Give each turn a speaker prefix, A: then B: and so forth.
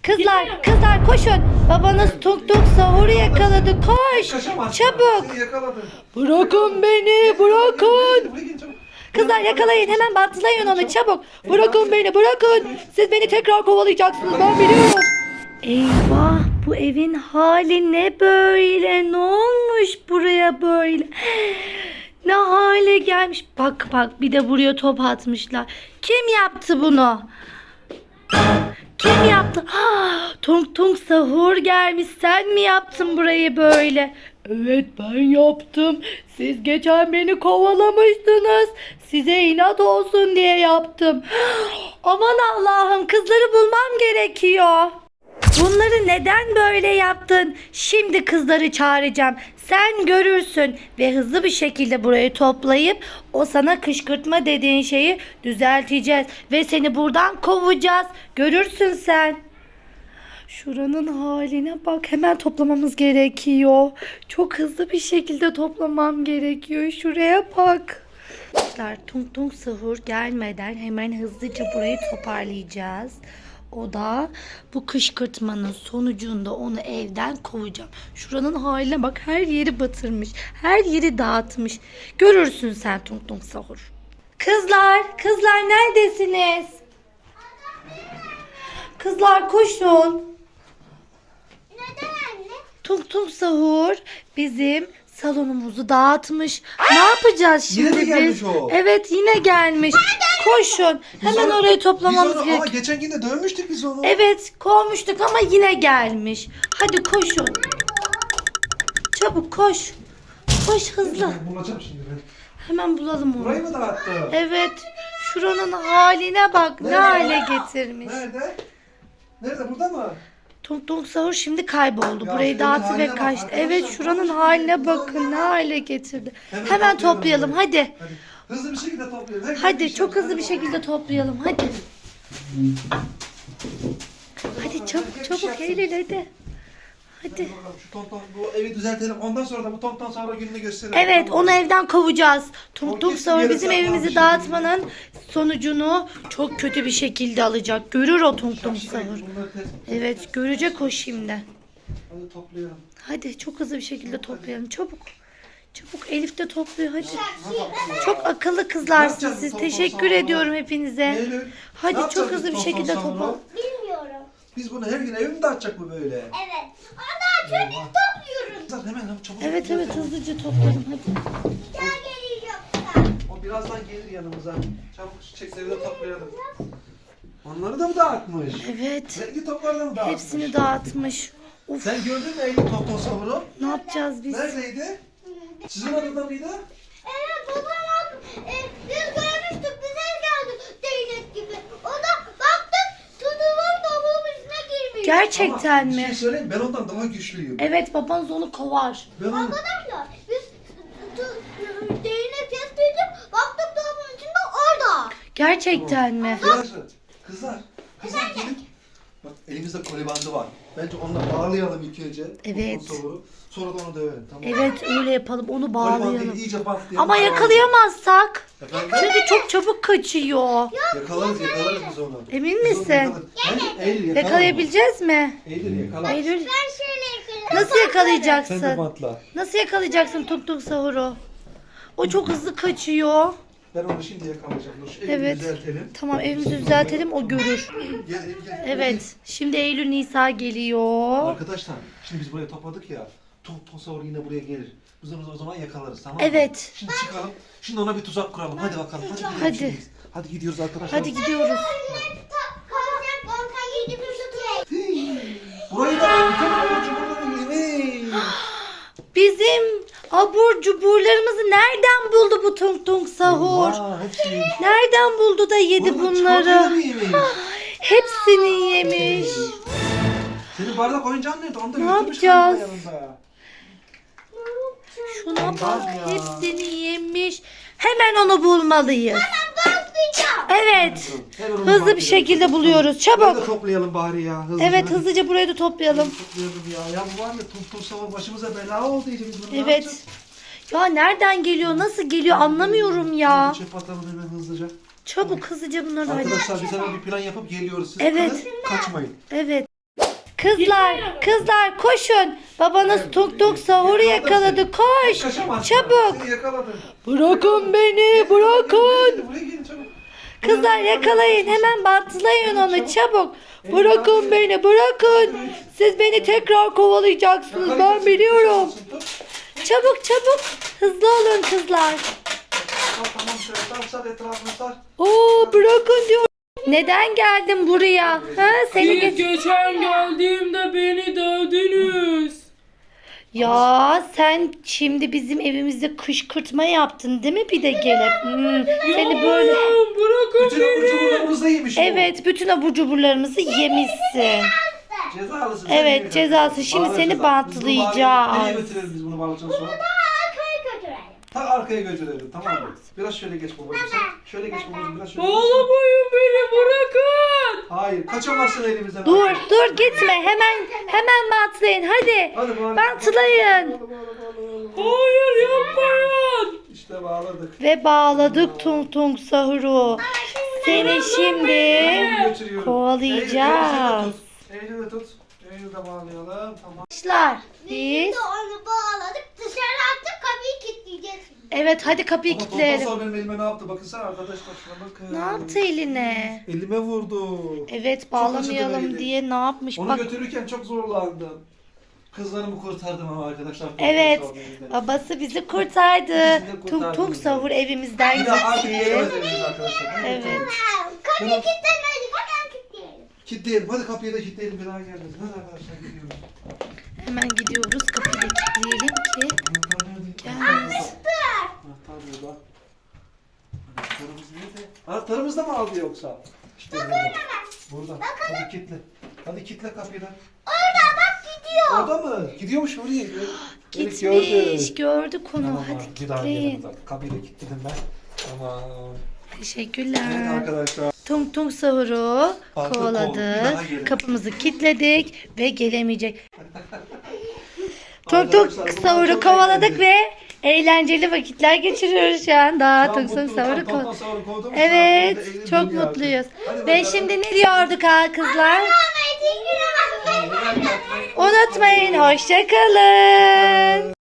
A: Kızlar, kızlar koşun. Babanız tuk tuk sahuru yakaladı. Koş. Çabuk. Bırakın beni, bırakın. Kızlar yakalayın, hemen bantlayın onu çabuk. Bırakın beni, bırakın. Siz beni tekrar kovalayacaksınız, ben biliyorum. Eyvah, bu evin hali ne böyle? Ne olmuş buraya böyle? Ne hale gelmiş? Bak bak, bir de buraya top atmışlar. Kim yaptı bunu? Kim yaptı? Tung Tung Sahur gelmiş. Sen mi yaptın burayı böyle? Evet, ben yaptım. Siz geçen beni kovalamıştınız. Size inat olsun diye yaptım. Aman Allah'ım, kızları bulmam gerekiyor. Bunları neden böyle yaptın? Şimdi kızları çağıracağım. Sen görürsün ve hızlı bir şekilde burayı toplayıp o sana kışkırtma dediğin şeyi düzelteceğiz ve seni buradan kovacağız. Görürsün sen. Şuranın haline bak. Hemen toplamamız gerekiyor. Çok hızlı bir şekilde toplamam gerekiyor. Şuraya bak. Tung Tung Sahur gelmeden hemen hızlıca burayı toparlayacağız. O da bu kışkırtmanın sonucunda onu evden kovacağım. Şuranın haline bak, her yeri batırmış. Her yeri dağıtmış. Görürsün sen Tung Tung Sahur. Kızlar neredesiniz? Kızlar koşun.
B: Neden anne?
A: Tung Tung Sahur bizim salonumuzu dağıtmış. Ne yapacağız şimdi
C: Yine mi gelmiş
A: biz?
C: o?
A: Evet, yine gelmiş. Koşun. Hemen orayı toplamamız
C: Ama
A: gerekiyor.
C: geçen gün de dövmüştük biz onu.
A: Evet, kovmuştuk ama yine gelmiş. Hadi koşun. Çabuk koş. Koş hızlı.
C: Ben bulacağım şimdi ben.
A: Hemen bulalım onu.
C: Burayı mı dağıttı?
A: Evet. Şuranın haline bak. Ne
C: Nerede?
A: hale getirmiş.
C: Nerede? Nerede? Burada mı?
A: Tung Tung Sahur şimdi kayboldu.
C: Ya
A: Burayı
C: şuranın
A: dağıttı ve
C: haline bak
A: kaçtı.
C: arkadaşlar.
A: Evet, şuranın
C: Bak,
A: haline
C: şurayı
A: bakın. Ne hale getirdi.
C: Hemen
A: Hemen toplayalım.
C: burayı.
A: Hadi.
C: Hadi. Hızlı bir şekilde toplayalım. Hadi,
A: Hadi çok hızlı bir şekilde toplayalım. Hadi. Hadi çabuk Eylül hadi. Hadi.
C: Şu tonton bu evi düzeltelim. Ondan sonra da bu tonton sonra gününü gösterelim.
A: Evet,
C: Tamam
A: onu
C: mı?
A: evden kovacağız. Tung
C: O
A: Tung
C: kesin
A: Sahur
C: yere
A: bizim
C: saklanmış
A: evimizi
C: şekilde.
A: dağıtmanın sonucunu çok kötü bir şekilde alacak. Görür o Tung Tung
C: Şimdi
A: Sahur.
C: bunları
A: Evet, görecek o şimdi.
C: Hadi toplayalım.
A: Hadi çok hızlı bir şekilde toplayalım. Çabuk. Çabuk, Elif de topluyor hadi. Çok akıllı kızlarsınız siz.
C: Tonton
A: Teşekkür
C: Sahur'u?
A: ediyorum hepinize.
C: Eylül, ne
A: Hadi çok
C: yapacağız
A: hızlı
C: biz
A: bir
C: tonton
A: şekilde
C: Sahur'u?
A: topla.
B: Bilmiyorum.
C: Biz bunu her gün evi mi dağıtacak bu böyle?
B: Evet. Ana çocuk topluyoruz.
C: Kızlar hemen çabuk.
A: Evet hızlıca toplayalım hadi.
B: Gel geliyor yoksa.
C: O birazdan gelir yanımıza. Çabuk çiçekleri de toplayalım. Onları da mı dağıtmış?
A: Evet.
C: Renkli topları da mı dağıtmış?
A: Hepsini dağıtmış. Uf,
C: Sen gördün mü Eylül tonton Sahur'u?
A: ne yapacağız biz?
C: Neredeydi? Sizin odada mıydı?
B: Evet babam biz görmüştük bize geldi değnek gibi. O da baktık tutumun topuğun içine girmiş.
A: Gerçekten
C: Ama bir
A: mi?
C: şey söyleyeyim, ben ondan daha güçlüyüm.
A: Evet, babanız onu kovar.
C: Ben onu...
B: Arkadaşlar biz değnek kestiydik baktık topuğun içinde orada.
A: Gerçekten mi?
C: Kızlar gelin. Bak elimizde koli bandı var. Bence onunla bağlayalım ilk önce.
A: Evet.
C: Tonton Sahur'u. Sonra da onu dövelim, tamam mı?
A: Evet, öyle yapalım, onu
C: Koli bandıyla
A: bağlayalım.
C: iyice bantlayalım.
A: Ama yakalayamazsak.
C: Efendim?
A: Çünkü çok çabuk kaçıyor.
C: Yakalarız biz onu.
A: Emin
C: Biz onu
A: misin?
C: yakalarız. Bence Eylül yakalar.
A: Yakalayabileceğiz mi?
C: Eylül yakalar.
A: Eylül,
B: Ben şöyle yakalayayım.
A: nasıl
C: Sen de
A: yakalayacaksın?
C: bantla.
A: Nasıl yakalayacaksın Tung Tung Sahur'u? O çok hızlı kaçıyor.
C: Ben onu şimdi yakalayacağım. Dur şu elimi
A: Evet.
C: düzeltelim.
A: Tamam, evimizi düzeltelim, o görür.
C: Gel.
A: Evet, şimdi Eylül Nisa geliyor.
C: Arkadaşlar şimdi biz buraya topladık ya. Tonton Sahur yine buraya gelir. Biz onu o zaman yakalarız, tamam mı?
A: Evet.
C: Şimdi çıkalım. Şimdi ona bir tuzak kuralım. Hadi bakalım. Hadi gidelim
A: Hadi.
C: şimdi. Hadi gidiyoruz arkadaşlar.
A: Hadi gidiyoruz.
B: Kalacak banka gidip tutayım.
C: Burayı da bütün abur cuburları yemeyin.
A: Bizim abur cuburlarımızı nereden buldu bu Tung Tung Sahur?
C: Vay, hepsini yemiş.
A: Nereden buldu da yedi
C: Bunu çikolatayla mı
A: bunları?
C: yemeyin?
A: Hepsini yemiş.
C: Senin bardak oyuncağın nerede? Onu da
A: Ne
C: götürmüş
A: yapacağız?
C: galiba yanında.
A: Şuna bak,
C: Aman ya.
A: hepsini yemiş. Hemen onu bulmalıyız.
B: Bastıracağım.
A: Evet.
C: Hemen onu
A: Hızlı bir
C: bakıyoruz.
A: şekilde buluyoruz.
C: Burayı da
A: Çabuk.
C: toplayalım bari ya. Hızlıca.
A: Evet,
C: Hadi.
A: hızlıca burayı da toplayalım.
C: Toplayalım ya. Ya bu var ya Tonton Sahur başımıza bela oldu iyice, biz bunu ne
A: Evet.
C: yapacağız?
A: Ya nereden geliyor, nasıl geliyor anlamıyorum ya.
C: Çöp atalım hemen hızlıca.
A: Çabuk hızlıca bunları hallet.
C: Arkadaşlar biz hemen bir plan yapıp geliyoruz. Siz
A: Evet.
C: kalın, kaçmayın.
A: Evet. Kızlar koşun. Babanız tok tok sahuru yakaladı. Koş.
C: Kaçamazsın.
A: Çabuk.
C: Seni yakaladım.
A: Bırakın beni, bırakın.
C: Buraya gelin çabuk.
A: Kızlar yakalayın, hemen bantlayın onu çabuk. Bırakın beni, bırakın. Siz beni tekrar kovalayacaksınız, ben biliyorum. Çabuk çabuk. Hızlı olun kızlar.
C: Tamam şöyle sar etrafını sar.
A: Oo, bırakın diyor. Neden geldin buraya? Ha, seni
D: Siz geçen geldiğimde beni dövdünüz.
A: Ya sen şimdi bizim evimizde kışkırtma yaptın değil mi bir de gelip? Seni böyle...
D: Bırakın
C: Bütün abur cuburlarımızı yemiş bu.
A: Evet, bütün abur cuburlarımızı yemişsin.
C: Cezalısın.
A: Evet,
C: sen
A: cezası. Şimdi
C: Bağıracağız
A: seni
C: abi.
A: bantlayacağız.
C: Nereye götürelim biz bunu bağlayacağız sonra?
B: Arkaya götürelim.
C: Ta arkaya götürelim, tamam mı? Biraz şöyle geç babacığım sen. Şöyle geç babacığım, biraz şöyle geç.
D: Bağlamayın beni, bırakın.
C: Hayır, kaçamazsın elimizden.
A: Dur gitme, hemen bantlayın hadi.
C: Hadi bağla.
A: Bantlayın.
C: Bağla.
D: Hayır, yapmayın.
C: İşte bağladık.
A: Ve bağladık Tung Tung Sahur'u. Seni şimdi
C: Götürüyorum.
A: kovalayacağız.
C: Eylül'ü de tut. Eylül'ü de bağlayalım, tamam.
A: Arkadaşlar
B: Biz
A: biz...
B: de onu bağladık. Dışarı attık, kapıyı kilitleyeceğiz şimdi.
A: Evet, hadi kapıyı
C: Ama
A: kilitleyelim.
C: Tonton benim elime ne yaptı? Bakın sen arkadaşlar şuna bakın.
A: Ne yaptı eline?
C: Elime vurdu.
A: Evet,
C: acıdı
A: bağlamayalım
C: eli.
A: diye ne yapmış?
C: Onu
A: Bak,
C: götürürken çok zorlandım. Kızlarımı kurtardım ama arkadaşlar.
A: evet,
C: Tonton elinden.
A: babası bizi kurtardı.
C: İkisini de
A: Tung
C: kurtardınız
A: Tung Sahur evimizden
C: Bir daha artık
A: gitti.
C: gidemezsiniz arkadaşlar.
A: Evet.
B: Kapıyı kilitlemedik. Hemen kilitleyelim.
C: Kilitleyelim. Hadi kapıyı da kilitleyelim. Bir daha gelmesin. Hadi arkadaşlar gidiyoruz.
A: Hemen gidiyoruz, kapıyı da kilitleyelim ki
C: Anahtar nerede?
A: gelmesin.
C: Anahtar burada. Anahtarımız nerede? Anahtarımız da mı aldı yoksa? İşte burada. Burada. Hadi kilitle. Hadi kilitle kapıyı da.
B: Orada bak gidiyor.
C: Orada mı? Gidiyormuş oraya. Evet,
A: Gitmiş, gördük onu.
C: Tamam,
A: Hadi
C: bir daha
A: kilitleyin.
C: gelin. Kapıyı da kilitledim ben. Tamam. Evet
A: Teşekkürler.
C: arkadaşlar.
A: Tung Tung Sahur'u
C: Artık
A: kovaladık.
C: bir daha gelin.
A: Kapımızı kilitledik ve gelemeyecek. Tung Tung
C: Arkadaşlar, bunlar
A: Sahur'u
C: çok
A: kovaladık
C: eğlenceli.
A: ve eğlenceli vakitler geçiriyoruz şu anda. Tung Tung Sahur'u kovaladık. Evet, çok mutluyuz. Ve şimdi ne diyorduk ha kızlar? Unutmayın, hoşça kalın.